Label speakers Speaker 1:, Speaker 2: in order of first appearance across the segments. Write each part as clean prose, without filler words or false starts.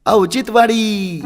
Speaker 1: औचित्यवाडी.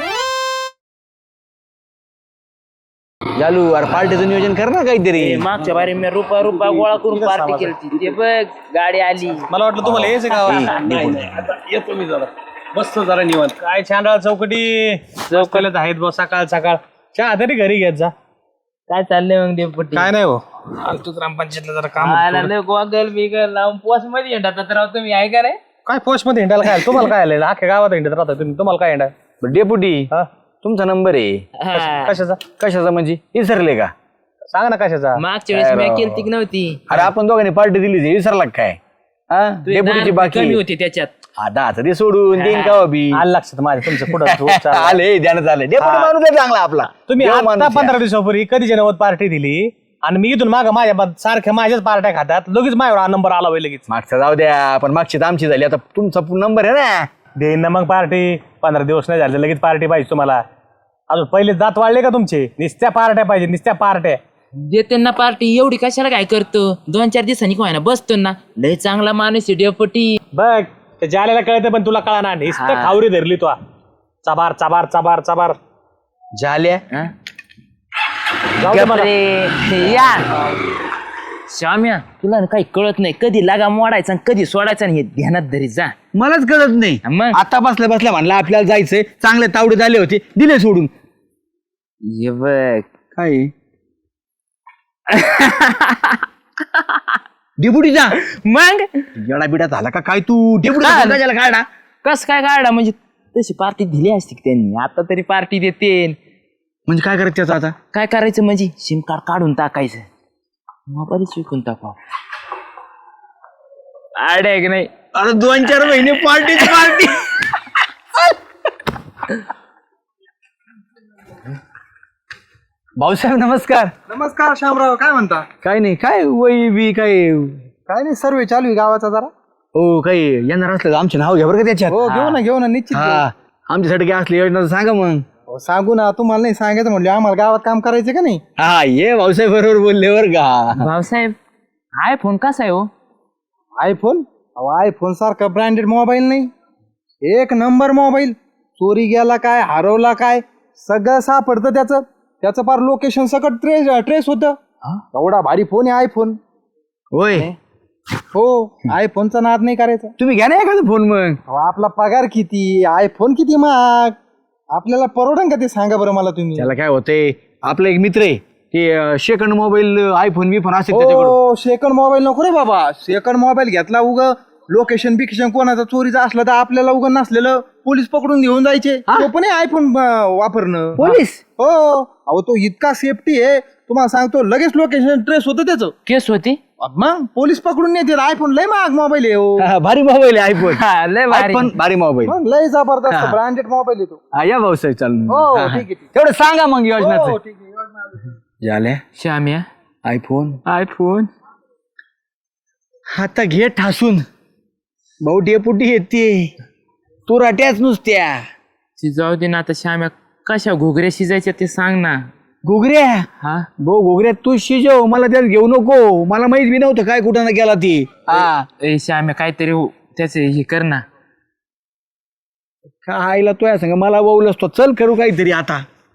Speaker 2: चालू अरे पार्टीचं नियोजन कर ना काहीतरी.
Speaker 3: मागच्या बारी मी रुपा गोळा करून पार्टी केली. ते बघ गाडी आली.
Speaker 4: मला वाटलं तुम्हाला यायचं का? येतो मी जरा मस्त जरा निवांत. काय छान चौकटी चौकल्यात आहेत बस सकाळ सकाळ चहा तरी घरी घेत जा.
Speaker 3: काय चाललंय मग देवपट्टी?
Speaker 4: काय नाही हो आलतो ग्रामपंचायतला जरा काम होतं थोडं.
Speaker 3: गोगल बिगल लावून पोस मध्ये येतात राव तुम्ही आहे का रे?
Speaker 4: काय पोस्ट मध्ये हिंडायला काय तुम्हाला काय आलं अख्ख्या गावात हिंडत राहता तुम्ही तुम्हाला काय हिंडाय
Speaker 2: डेपुटी
Speaker 4: हा
Speaker 2: तुमचा नंबर आहे.
Speaker 4: कशाचा
Speaker 2: कशाचा म्हणजे विसरले का?
Speaker 4: सांगा ना कशाचा.
Speaker 3: मागच्या वेळेस मी केली ती नव्हती.
Speaker 2: अरे आपण दोघांनी पार्टी दिली विसरला का काय? हा डेपुटीची बाकी
Speaker 3: कमी होती त्याच्यात.
Speaker 2: आता आता ते सोडून देईन का बी.
Speaker 4: आलं लक्षात माझ्या तुमचं पुढं
Speaker 2: आले ध्यानात आले डेपुटी माणूस आहे चांगला आपला.
Speaker 4: तुम्ही
Speaker 2: देव
Speaker 4: आता
Speaker 2: माणूस आहे.
Speaker 4: 15 दिवसापूर्वी कधी जनवत पार्टी दिली आणि मी इथून माग माझ्या सारख्या माझ्याच पार्ट्या खातात लगेच माझ्यावर हा नंबर आला होईल लगेच.
Speaker 2: मागचा जाऊ द्या पण मागची तर आमची झाली आता तुमचा नंबर आहे ना.
Speaker 4: देईन ना मग पार्टी. 15 दिवस नाही झाले लगेच पार्टी पाहिजे तुम्हाला. अजून पहिले दात वाढले का तुमचे? निस्त्या पार्ट्या पाहिजे निस्त्या पार्ट्या.
Speaker 3: देते ना पार्टी एवढी कशाला काय करतो? 2-4 दिवसांनी काय ना बसतो ना. लय चांगला माणूस आहे डेपुटी.
Speaker 4: बघ ते जालेला कळतं पण तुला कळा ना. निस्त्या खावरी धरली तू. चबार चबार चबार चबार
Speaker 2: झाल्या
Speaker 3: हा?
Speaker 4: जाऊ दे मला.
Speaker 3: गप्रे, या श्याम्या तुला ना काही कळत नाही. कधी लागा मोडायचा आणि कधी सोडायचा आणि हे ध्यानात धरी जा.
Speaker 2: मलाच कळत नाही.
Speaker 3: मग?
Speaker 2: आता बसल्या बसल्या म्हणलं आपल्याला जायचंय चांगले तावडे झाले होते दिले सोडून.
Speaker 3: ये बघ
Speaker 2: काय डेपुटीचा
Speaker 3: मग
Speaker 2: येडा बिडा झाला का काय तू? डेपुटीचा काढा.
Speaker 3: कस काय काढा म्हणजे तशी पार्टी दिली असती की त्यांनी. आता तरी पार्टी देते.
Speaker 2: म्हणजे काय करायचं त्याचं आता?
Speaker 3: काय करायचं म्हणजे सिम कार्ड काढून टाकायचं मोबाईलच विकून टाकाव. आड आहे की नाही?
Speaker 2: अरे 2-4 महिने पार्टी. भाऊसाहेब नमस्कार.
Speaker 5: नमस्कार शामराव, काय म्हणता?
Speaker 2: काय नाही काय वही बी काय
Speaker 5: काय नाही, सर्वे चालू आहे गावाचा जरा.
Speaker 2: हो काही येणार असलं तर आमचे नाव घ्या बरं का त्याच्यात.
Speaker 5: हो घेऊ ना निश्चित घेऊ.
Speaker 2: हा आमच्यासाठी काय असली योजना तर सांगा मग.
Speaker 5: हो, सांगू ना, तुम्हाला नाही सांगायचं म्हणले आम्हाला गावात काम करायचं का नाही.
Speaker 2: हा ये भाऊसाहेब बरोबर बोलले बरं का.
Speaker 3: भाऊसाहेब आयफोन कसा आहे हो?
Speaker 5: आयफोन? आयफोन सारखा ब्रँडेड मोबाईल नाही, एक नंबर मोबाईल. चोरी गेला काय, हरवला काय, सगळं सापडतं त्याचं फार लोकेशन सकट ट्रेस होतं. एवढा भारी फोन आहे आयफोन.
Speaker 2: होय
Speaker 5: हो, आयफोनचा नाद नाही करायचा.
Speaker 2: तुम्ही घ्या ना एखादा फोन मग.
Speaker 5: अहो, आपला पगार किती, आयफोन किती महाग, आपल्याला परवडन का ते सांगा बरं मला तुम्ही.
Speaker 2: त्याला काय होतंय आपला एक मित्र आहे ते सेकंड मोबाईल आयफोन बिफोन असेल त्याच्याकडे.
Speaker 5: हो, सेकंड मोबाईल नको रे बाबा. सेकंड मोबाईल घेतला उग लोकेशन बिकेशन कोणाचा चोरीचा असलं तर आपल्याला उग नसलेलं पोलीस पकडून घेऊन जायचे. तो पण आयफोन वापरणं.
Speaker 2: पोलीस?
Speaker 5: हो, अहो तो इतका सेफ्टी आहे तुम्हाला सांगतो, लगेच लोकेशन ट्रेस होतं त्याचं.
Speaker 3: केस होती
Speaker 5: मग पोलीस पकडून नेते. आयफोन लय महाग मोबाईल आहे हो.
Speaker 2: हा, भारी मोबाईल आहे आयफोन.
Speaker 3: हा, लय भारी.
Speaker 2: पण भारी मोबाईल.
Speaker 5: मग लय जबरदस्त ब्रँडेड मोबाईल आहे तो.
Speaker 2: हा या भाऊसाहेब चालू.
Speaker 5: हो ठीक आहे, ठीक
Speaker 2: तेवढं सांगा मग
Speaker 5: आहे. हो,
Speaker 2: योजनाचं.
Speaker 5: ठीक आहे, योजना आली.
Speaker 2: झाल्या
Speaker 3: श्याम्या
Speaker 2: आयफोन.
Speaker 3: आयफोन
Speaker 2: आता घे ठासून भाऊ डेपुटी येते तू राट्याच नुसत्या.
Speaker 3: जाऊ दे ना आता. श्याम्या कशा घुगऱ्या शिजायच्या ते सांग ना.
Speaker 2: घुगऱ्या?
Speaker 3: हा
Speaker 2: भाऊ घुगऱ्या तू शिजव, मला त्यात घेऊ नको. मला माहित बी नव्हतं काय कुठं ना गेला ती. हा
Speaker 3: ए श्याम्या काहीतरी त्याचे हे कर ना.
Speaker 2: काय आईला तो या सांग मला बोलस तो. चल करू काहीतरी आता.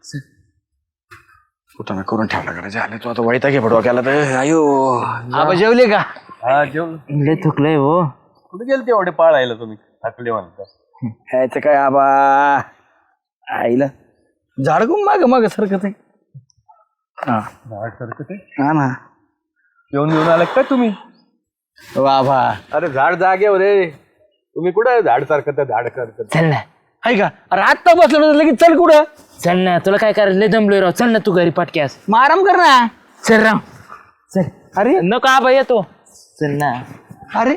Speaker 2: कुठं करून ठेवला करा झाले तो आता. वैता घे पडवा केला तर. अयो आबा जेवले का?
Speaker 4: हा जेवण.
Speaker 3: लय थकलंय हो.
Speaker 4: कुठे गेलते एवढे पाळायला तुम्ही? थकले म्हणता.
Speaker 2: ह्याचं काय आबा आईला झाडकून माग सरकत आहे. हा
Speaker 4: झाड सारखं ते
Speaker 2: हा ना.
Speaker 4: घेऊन आले काय तुम्ही?
Speaker 2: वा भा.
Speaker 4: अरे झाड जागे रे तुम्ही. कुठं झाड सारखं झाड करत?
Speaker 3: चल ना
Speaker 2: आहे का? अरे आत्ता बसलो लगेच चल कुठं?
Speaker 3: चल ना, तुला काय करायचं? लय दमलोय राव. चल ना तू घरी पटक्यास.
Speaker 2: मग आराम कर ना.
Speaker 3: चल राव चल.
Speaker 2: अरे
Speaker 3: नको आबा येतो. चल ना.
Speaker 2: अरे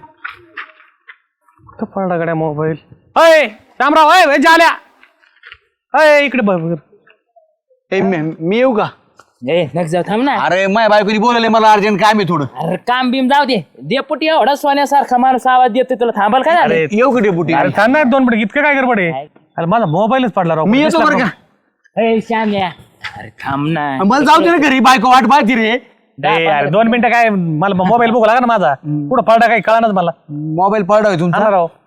Speaker 4: पडला गड्या मोबाईल. अय रामराव, अय झाल्या. अय इकडे बघ.
Speaker 2: ए, मी येऊ का?
Speaker 3: ए नक जाऊ, थांब ना.
Speaker 2: अरे माझ्या बायकोनी बोलवले मला अर्जंट काम आहे थोडं.
Speaker 3: अरे काम बिम जाऊ दे. डेपुटी एवढा सोन्यासारखा माणूस आवाज देतोय, तुला थांबाल काय झालं?
Speaker 2: येऊ का डेपुटी?
Speaker 4: अरे थांब ना 2 मिनिट. इतकं काय गडबड आहे? अरे माझा मोबाईलच पडला राव.
Speaker 2: मी येतो बरं का.
Speaker 3: ए श्याम्या अरे थांब ना.
Speaker 2: मला जाऊ दे ना घरी, बायको वाट पाहती रे.
Speaker 4: अरे 2 मिनिटं काय, मला मोबाईल बघू लागा ना माझा. कुठं पडला काही कळानच मला.
Speaker 2: मोबाईल पडा
Speaker 4: हा
Speaker 2: तुमचा.
Speaker 4: राव.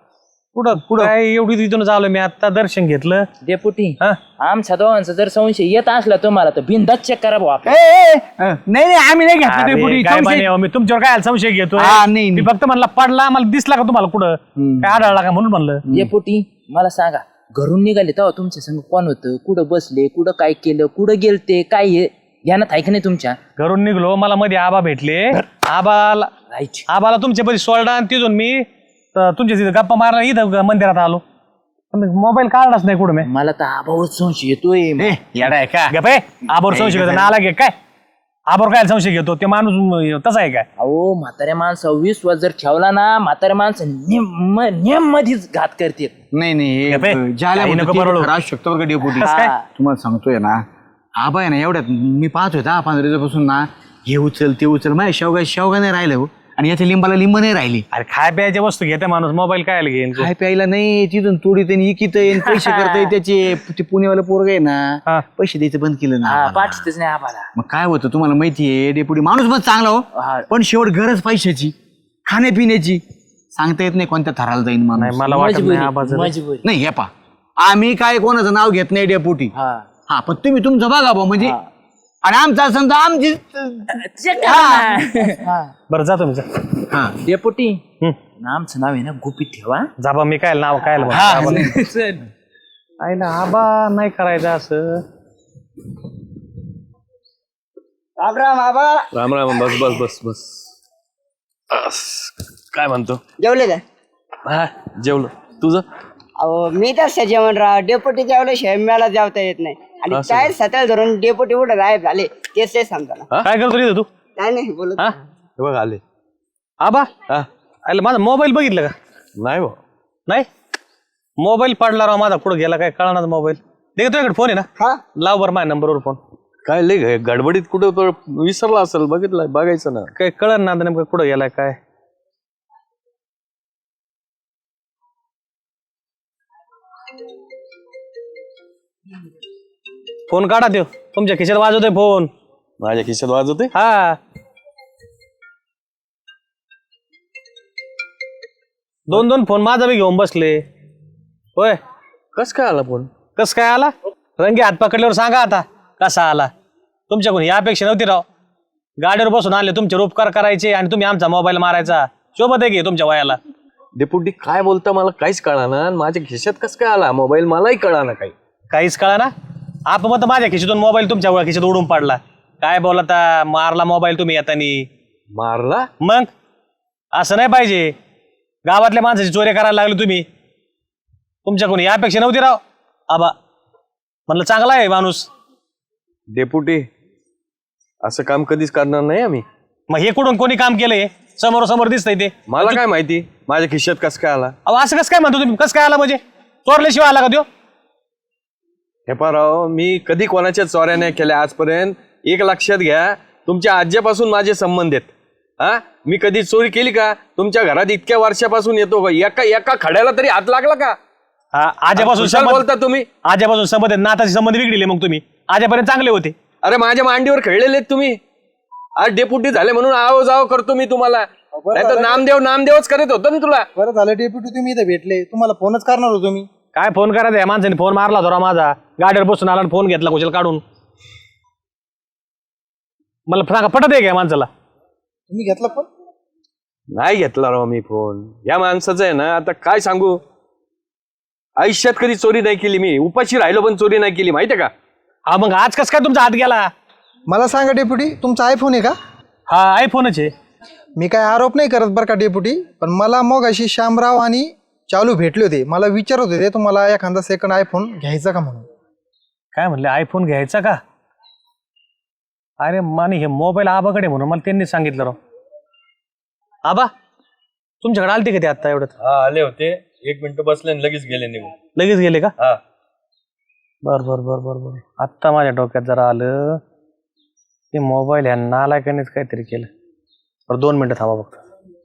Speaker 4: कुठं काय एवढी तिथून आलो मी आता दर्शन घेतलं.
Speaker 3: डेपुटी
Speaker 4: हा
Speaker 3: आमच्या दोघांचा जर संशय येत असला तुम्हाला तर बिंदाच चेक करा भाऊ आपलं.
Speaker 2: नाही आम्ही नाही घेतलं
Speaker 4: अरे,
Speaker 2: डेपुटी.
Speaker 4: काय
Speaker 2: संशय-
Speaker 4: बाने हो, मी तुमच्यावर काय संशय घेतो
Speaker 2: हा, नाही,
Speaker 4: मी
Speaker 2: नाही.
Speaker 4: फक्त म्हणला पडला मला दिसला का तुम्हाला कुठं काय आढळला का म्हणून म्हणलं.
Speaker 3: डेपुटी मला सांगा घरून निघाले तेव्हा तुमच्या संग कोण होतं, कुठं बसले, कुठं काय केलं, कुठं गेलते, काय हे ध्यानात आहे का नाही तुमच्या?
Speaker 4: घरून निघलो मला मध्ये आबा भेटले. आबाला तुमच्या परी सोडला आणि तिथून मी तुमच्या तिथे गप्पा मारला इथं मंदिरात आलो. मोबाईल काढलाच नाही कुठं मी.
Speaker 3: मला तर आबावर संशय येतोय.
Speaker 2: येडाय का
Speaker 4: गप आहे आबावर संशय घेतो नाला घे काय आबावर काय संशय घेतो ते माणूस तसा आहे काय.
Speaker 3: अहो म्हाताऱ्या माणसावर विश्वास जर ठेवला ना म्हाताऱ्या माणसं नेम मध्येच घात करते.
Speaker 2: नाही
Speaker 4: गप्पे,
Speaker 2: ज्याला
Speaker 4: काही नको बरळू.
Speaker 2: राहू शकतो बरं का डेपुटी.
Speaker 4: काय?
Speaker 2: तुम्हाला सांगतोय ना आबा आहे ना एवढ्यात मी पाहतोय 10-15 दिवसापासून ना हे उचल ते उचल माझ्या शेवगा नाही राहिलं हो आणि याच्या लिंबाला लिंब नाही राहिली.
Speaker 4: अरे खाय प्यायच्या वस्तू घेते माणूस मोबाईल काय घेईन.
Speaker 2: काय प्यायला नाही तिथून तोडी त्यांनी इकित पैसे करताय त्याचे ते पुणेवाला पोरग आहे
Speaker 4: हा.
Speaker 2: ना पैसे द्यायचं बंद केलं ना आम्हाला.
Speaker 3: पाठवतेच नाही आम्हाला.
Speaker 2: मग काय होतं तुम्हाला माहितीये डेपुटी माणूस पण चांगला
Speaker 3: हा.
Speaker 2: हो पण शेवट गरज पैशाची खाण्यापिण्याची सांगता येत नाही कोणत्या थराला जाईन
Speaker 4: नाही
Speaker 2: माणूस.
Speaker 4: मला वाटत नाही
Speaker 3: मजबुरी
Speaker 4: आबाचं.
Speaker 3: मजबुरी.
Speaker 2: नाही हे पा आम्ही काय कोणाचं नाव घेत नाही डेपुटी.
Speaker 3: हा
Speaker 2: हा पण तुम्ही तुमचं बघा भाऊ म्हणजे आणि आमचा समजा आमची
Speaker 3: चेक करा ना.
Speaker 4: बरं जातो मी जा.
Speaker 2: हा
Speaker 3: डेपुटी
Speaker 4: हम्म.
Speaker 3: आमचं नाव आहे ना गुपित ठेवा.
Speaker 4: जाबा मी काय नाव काय आईला आबा नाही करायचं असं.
Speaker 1: राम राम बस बस बस बस काय म्हणतो.
Speaker 6: जेवले का?
Speaker 1: हा जेवलो तुझं.
Speaker 6: अहो मी तर जेवण राहा डेपुटी जेवल्याशिवाय मला जेवता येत नाही आणि काय सतळ धरून डेपुटी उठे गायब झाले तेच ते समजा ना.
Speaker 4: काय करतो रे तू.
Speaker 6: काय नाही बोलत.
Speaker 4: हा
Speaker 1: हे बघ आले.
Speaker 4: आबा
Speaker 1: हा
Speaker 4: आईला माझा मोबाईल बघितलं का.
Speaker 1: नाही भाऊ
Speaker 4: नाही मोबाईल पडला राव माझा कुठं गेला काय कळणार मोबाईल. दे तुझ्याकडे फोन आहे ना
Speaker 6: हा
Speaker 4: लाव बरं माझ्या नंबरवर फोन.
Speaker 1: काय लय गडबडीत कुठं तो विसरला असेल बघितलं बघायचं ना.
Speaker 4: काय कळत ना आता नेमकं कुठं गेलाय काय. फोन काढा देव तुमच्या खिशात वाजवतोय फोन.
Speaker 1: माझ्या खिशात वाजवते.
Speaker 4: हा दोन फोन माझा बी घेऊन बसले. होय
Speaker 1: कस काय आला फोन.
Speaker 4: कस काय आला रंगी हात पकडल्यावर सांगा आता कसा आला. तुमच्याकडून ही अपेक्षा नव्हती राव. गाडीवर बसून आले तुमचे उपकार करायचे आणि तुम्ही आमचा मोबाईल मारायचा. शोभत आहे की तुमच्या वयाला.
Speaker 1: डेपुटी काय बोलता मला काहीच कळाना. माझ्या खिशात कस काय आला मोबाईल मलाही कळाना काही.
Speaker 4: काहीच कळा ना आप मग माझ्या खिशीतून मोबाईल तुमच्या खिशीत उडून पडला. काय बोलता मारला मोबाईल तुम्ही येतानी.
Speaker 1: मारला.
Speaker 4: मग असं नाही पाहिजे. गावातल्या माणसाची चोरी करायला लागली तुम्ही. तुमच्याकडून यापेक्षा नव्हती राव. आबा म्हणलं चांगला आहे माणूस.
Speaker 1: डेपुटी असं काम कधीच करणार नाही आम्ही.
Speaker 4: मग हे कुठून कोणी काम केलंय समोर दिसतंय ते.
Speaker 1: मला काय माहिती माझ्या खिशात कस काय आला.
Speaker 4: अहो असं कसं काय म्हणतो तुम्ही. कसं काय आला म्हणजे चोरल्याशिवाय आला का त्यो.
Speaker 1: हे राव मी कधी कोणाच्या चोऱ्या नाही केल्या आजपर्यंत. एक लक्षात घ्या तुमच्या आज्यापासून माझे संबंध आहेत. हा मी कधी चोरी केली का. तुमच्या घरात इतक्या वर्षापासून येतो का एका खड्याला तरी हात लागला का.
Speaker 4: हा आजपासून
Speaker 1: कुशाल बोलता तुम्ही.
Speaker 4: आजपासून संबंध आहेत, नाताचे संबंध बिघडले. मग तुम्ही आजपर्यंत चांगले होते.
Speaker 1: अरे माझ्या मांडीवर खेळलेले आहेत तुम्ही. आज डेपुटी झाले म्हणून आव जाव करतो मी तुम्हाला. नाही तर नामदेवच करत होतो ना तुला.
Speaker 5: बरं झालं डेप्युटी तुम्ही इथे भेटले तुम्हाला फोनच करणार होतो मी.
Speaker 4: काय फोन करायचा या माणसाने फोन मारला होता माझा. गाडीवर बसून आला आणि फोन घेतला कुशल काढून. मला सांगा पटत आहे का या माणसाला.
Speaker 5: तुम्ही घेतला पण
Speaker 1: नाही घेतला राव मी फोन. या माणसाचं आहे ना आता काय सांगू. आयुष्यात कधी चोरी नाही केली मी. उपाशी राहिलो पण चोरी नाही केली माहितीये का.
Speaker 4: हा मग आज कस काय तुमचा हात गेला.
Speaker 5: मला सांगा डेप्युटी तुमचा आयफोन आहे का?
Speaker 4: हा आयफोनच आहे.
Speaker 5: मी काय आरोप नाही करत बरं का डेप्युटी पण मला मग अशी श्यामराव आणि चालू भेटले होते. मला विचारत होते तुम्हाला एखादा सेकंड आयफोन घ्यायचा का म्हणून.
Speaker 4: काय म्हणले आयफोन घ्यायचा का. अरे माने हे मोबाईल आबाकडे म्हणून मला त्यांनी सांगितलं राव. आबा तुमच्याकडे आलते का ते आता एवढं.
Speaker 1: हा आले होते 1 मिनिट बसले आणि लगेच गेले निघून.
Speaker 4: लगेच गेले का.
Speaker 1: हा
Speaker 4: बर आत्ता माझ्या डोक्यात जरा आलं. ते मोबाईल ह्या नालायकानेच काहीतरी केलं. बरं 2 मिनिटं थांबा फक्त.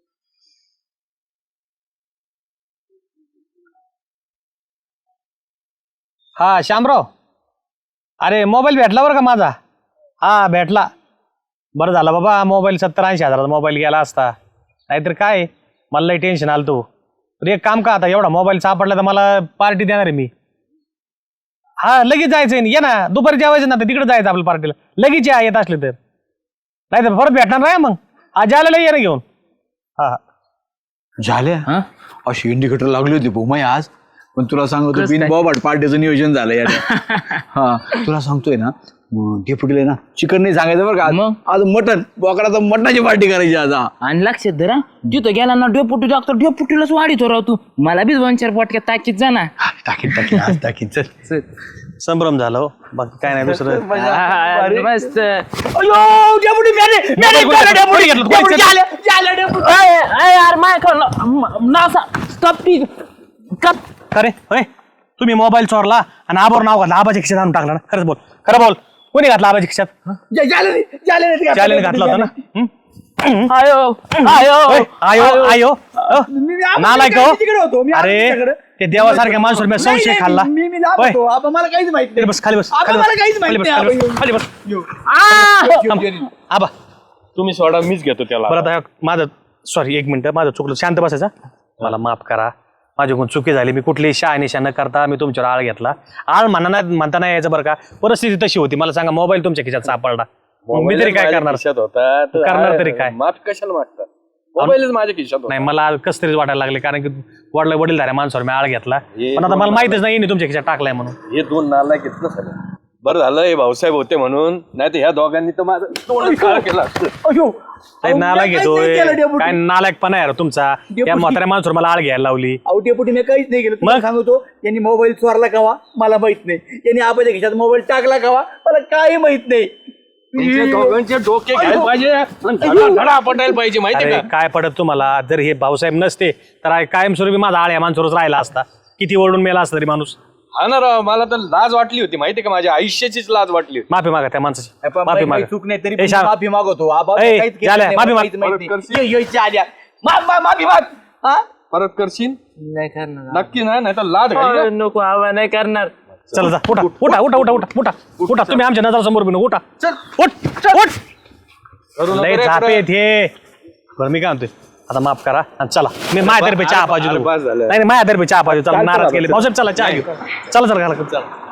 Speaker 4: हा श्यामराव अरे मोबाईल भेटला बरं का माझा. हा भेटला. बरं झालं बाबा मोबाईल 70-80 हजाराचा मोबाईल गेला असता. नाहीतर काय मला लई टेन्शन आलं. तो तर एक काम का आता एवढा मोबाईल सापडला तर मला पार्टी देणार आहे मी. हा लगेच जायचंय ना, ये ना दुपारी जेवायचं ना तिकडे जायचं आपल्या पार्टीला लगेच या येत असले तर. नाही तर परत भेटणार नाही मग. आज आलेला ये ना घेऊन. हा
Speaker 2: झाल्या अशी इंडिकेटर लागली होती भूमाई आज. पण तुला सांगतो बिन बॉबाट पार्टीचं नियोजन झालं यार. हा तुला सांगतोय ना डेप्युटीला ना चिकन नाही सांगायचं बरं का
Speaker 3: मग?
Speaker 2: आज मटन बोकडाचं मटणाची पार्टी करायची आज. हा
Speaker 3: आणि लक्षात धरा तिथं गेला ना डेपुटी डॉक्टर डेपुटीलाच वाढीतो राव तू. मला बी 2-4 पोटक्यात ताकीत जा ना.
Speaker 2: टाकीन आज टाकीन चल.
Speaker 4: संभ्रम झाला हो बाकी काय नाही दुसरं.
Speaker 3: मस्त.
Speaker 4: खरे होय तुम्ही मोबाईल चोरला आणि आबावर नाव घातलं आबाच्या खिशात आणून टाकला ना. खरंच बोल खरं बोल. कोणी घातला आबाच्या खिशात? जालेने घातला होता ना.
Speaker 3: आयो आयो
Speaker 4: होय, आयो आयो नालायक हो. अरे ते देवासारख्या माणसावर मी संशय खाल्ला. होय.
Speaker 5: मला काहीच माहिती
Speaker 4: खाली बस खाली बस खाली
Speaker 5: मला
Speaker 4: बस
Speaker 5: काहीच माहिती
Speaker 4: खाली
Speaker 5: नाही.
Speaker 4: बस खाली बस थांब. आबा
Speaker 1: तुम्ही सोडा, मीच घेतो त्याला.
Speaker 4: बरं आता माझं सॉरी 1 मिनिट माझं चुकलं. शांत बसायचा. मला माफ करा माझ्याकडून चुकी झाली. मी कुठलीही शहानिशा न करता मी तुमच्यावर आळ घेतला. आळ म्हणता नाही यायचं बरं का. परिस्थिती तशी होती. मला सांगा मोबाईल तुमच्या खिशात सापडला मी तरी काय करणार?
Speaker 1: खिशात होता तर
Speaker 4: करणार तरी काय?
Speaker 1: माफी कशाला मागता? मोबाईलच माझ्या खिशात होता.
Speaker 4: नाही मला कस तरी वाटायला लागले कारण की वडीलधाऱ्या माणसावर मी आळ घेतला. पण आता मला माहितच नाही यांनी तुमच्या खिशात टाकलाय म्हणून.
Speaker 1: हे 2 नाला घेतलं सगळं. बरं झालं हे भाऊसाहेब होते म्हणून, नाही तर ह्या दोघांनी तर माझं तोंड काळं केलं असतं.
Speaker 4: नालायक घेतोय काय नालायकपणा आहे रे तुमचा. त्या म्हाताऱ्या माणसावर मला आळ घ्यायला लावली.
Speaker 5: अहो डेपुटी मी काहीच नाही केलं. तुम्हाला सांगतो यांनी मोबाईल चोरला कावा मला माहित नाही. यांनी आबाच्या खिशात मोबाईल टाकला कावा मला काही माहित नाही.
Speaker 1: तुमच्या दोघांचे डोके घ्यायला पाहिजे, धडा पटायला पाहिजे माहिती
Speaker 4: अरे
Speaker 1: का?
Speaker 4: काय पडत तुम्हाला? जर हे भाऊसाहेब नसते तर कायमस्वरूपी माझा आळ या माणसावरच राहिला असता. किती ओरडून मेला असता तरी माणूस.
Speaker 1: हा ना राव, मला तर लाज वाटली होती माहिती का, माझ्या आयुष्याचीच लाज वाटली होती.
Speaker 4: माफी मागा त्या माणसाची. माफी
Speaker 5: काही
Speaker 4: मागा.
Speaker 5: चूक नाही तरी
Speaker 4: ए,
Speaker 5: पण
Speaker 4: शाब-
Speaker 5: माफी मागवतो. आबा
Speaker 4: ए,
Speaker 5: काहीच केलं
Speaker 4: झाल्या,
Speaker 5: नाही,
Speaker 4: माफी
Speaker 5: मला
Speaker 4: माग.
Speaker 5: काहीच माहित नाही. माफी माग. हा?
Speaker 1: परत करशील
Speaker 3: नाही करणार.
Speaker 1: नक्की ना, नाही तर लाज घाली ना.
Speaker 3: नको आवा नाही करणार.
Speaker 4: चला जा उठा उठा उठा उठा उठा उठा उठा. तुम्ही आमच्या नजरासमोर बिन उठा. उठ उठ. लय झापे थे. बरं मी काय म्हणतोय आता माफ करा आणि चला मी माझ्यातर्फे चहा पाहिजे.
Speaker 1: अरे, बस झालं.
Speaker 4: नाही माझ्यातर्फे चहा पाहिजे. चला नाराज केले पावसाळ्यात. चला चहा घेऊ. चला चला घाला.